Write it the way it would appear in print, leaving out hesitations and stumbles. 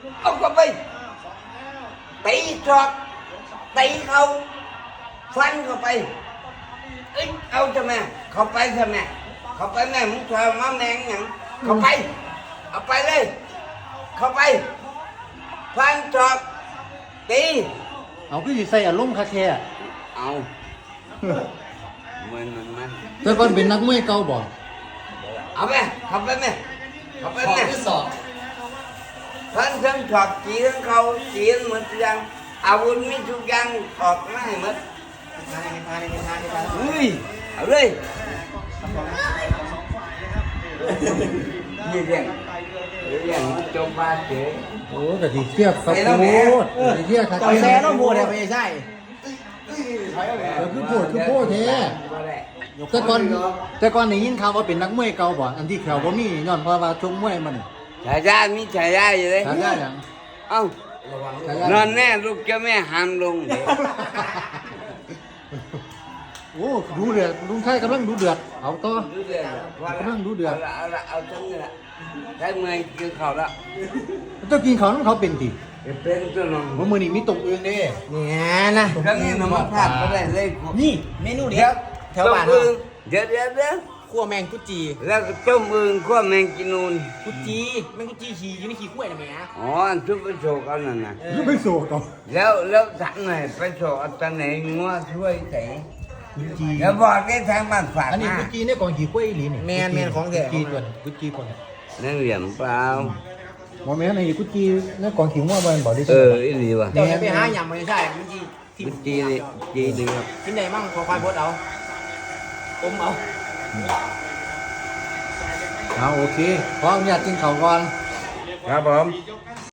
เอาเข้าไปตีจอกตีเขาฟันเข้าไปเอ้ยเอาทำไมเข้าไปทำไมเข้าไปแม่มึงเธอมาแมงอย่างเข้าไปเอาไปเลยเข้าไปฟันจอกตีเอาคือสิใส่อารมณ์คาแท้เอามันแต่ก่อนเป็นนักมวยเก่าบ่เอาไปเข้าไปแม่เข้าไปขอแม่ที่สองพันทั้งถอดจีทั้งเขาจีทั้งหมดทุกอย่างอาวุธมีทุกอย่างถอดไม่หมดเฮ้ยเอาเลยนี่เรื่องจบบ้านเฉยโอ้ก็สิเครียดครับโคตรสิเครียดครับต่อยแซ่ต้องโบดเนี่ยไม่ใช่คือโพดแท้แต่ก่อนได้ยินข่าวว่าเป็นนักมวยเก่าบ่อันที่แขวบ่มีย้อนเพราะว่าชกมวยมันฉายามีฉายาอยู่เลยฉายาหยังเอ้าฉายานอนแน่ลูกเจ้าแม่ห้ามลงโอ้ดูเดือดลุงไทยกำลังดูเดือดเอาต่อดูเดือดเอาทั้งนี้ละได้เมื่อยกินข้าวแล้วเจ้ากินเขาน้ำเขาเป็นติเป็นตัวนมว่ามื้อนี้มีตกอื่นเด้เนี่ยนะครั้งนี้น้ำมันพลาดก็ได้เลยนี่เมนูเด็ดแถวบ้านเเราเดี๋ยวคั่วแมงกุจีแล้วก็ต้มอึ่งขั้วแมงกินูนกุจีแมงกุจีขี่อยู่ในขี้กล้วยนะแม่อ๋อทุกไปโชว์กันนั่นนะคือไปโซต่อแล้วถังไหนไปโชว์เอาตอนไหนงัวช่วยใส่กุจีแล้วบอกได้ทางบ้านฝากอันนี้มากุจีเนี่ยก่อนขี่กล้วยอีหลีนี่แมนของแท้กุจีก่อนกุจีก่อนนั่นเหลี่ยมเปล่าบ่แม่นไอ้กุจีเนี่ยก่อนขี่งัวบ่บ่ได้เอซื้ออีหลีว่ะเดี๋ยวจะไปหาหยำไม่ใช่กุจีที่กุจีนี่จีนึงครับกินได้มั่งขอควายบดเอาอมเอาเอาโอเคขออนุญาตกินข้าวก่อนครับผมค